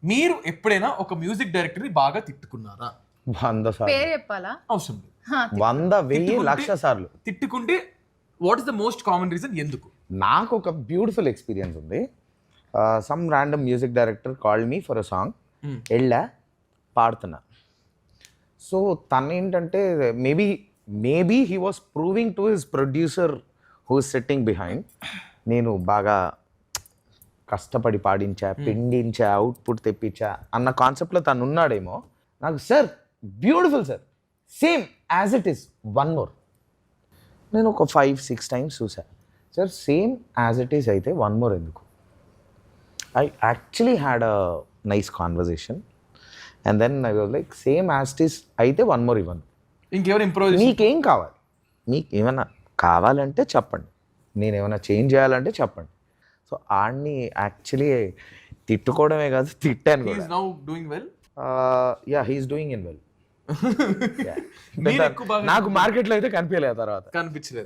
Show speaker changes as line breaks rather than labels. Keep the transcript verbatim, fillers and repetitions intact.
మీరు ఎప్పుడైనా ఒక మ్యూజిక్ డైరెక్టర్ ని బాగా తిట్టుకున్నారా?
వంద సార్లు,
పేరు చెప్పాలా?
అవసరం లేదు.
హా,
వంద వెయ్యి
తిట్టుకుంటే-
లక్ష సార్లు.
తిట్టుకుంటే what is the most common reason ఎందుకు?
నాకు ఒక బ్యూటిఫుల్ ఎక్స్పీరియన్స్ ఉంది. Some random music director called me for a song.
Hmm.
వెళ్ళా, పాడుతున్నా. సో తను ఏంటంటే maybe maybe he was proving to his producer who is sitting behind, నేను బాగా కష్టపడి పాడించా, పిండించా, అవుట్పుట్ తెప్పించా అన్న కాన్సెప్ట్లో తను ఉన్నాడేమో. నాకు sir beautiful sir, same as it is, one more. నేను ఒక ఫైవ్ సిక్స్ టైమ్స్ చూసా. Sir same as it is అయితే వన్ మోర్ ఎందుకు? I actually had a nice conversation and then I was like same as it is అయితే one more ఇవ్వను.
ఇంకెవరు improve
మీకేం కావాలి? మీకు ఏమైనా కావాలంటే చెప్పండి, నేను ఏమైనా చేంజ్ చేయాలంటే చెప్పండి. సో ఆడిని యాక్చువల్లీ తిట్టుకోవడమే కాదు, తిట్టాను కూడా.
Now doing well.
Yeah he is doing in well.
మీరు ఎక్కువ బాగా
నాకు మార్కెట్లో అయితే కనిపించలేదు తర్వాత.
కనిపించలేదు.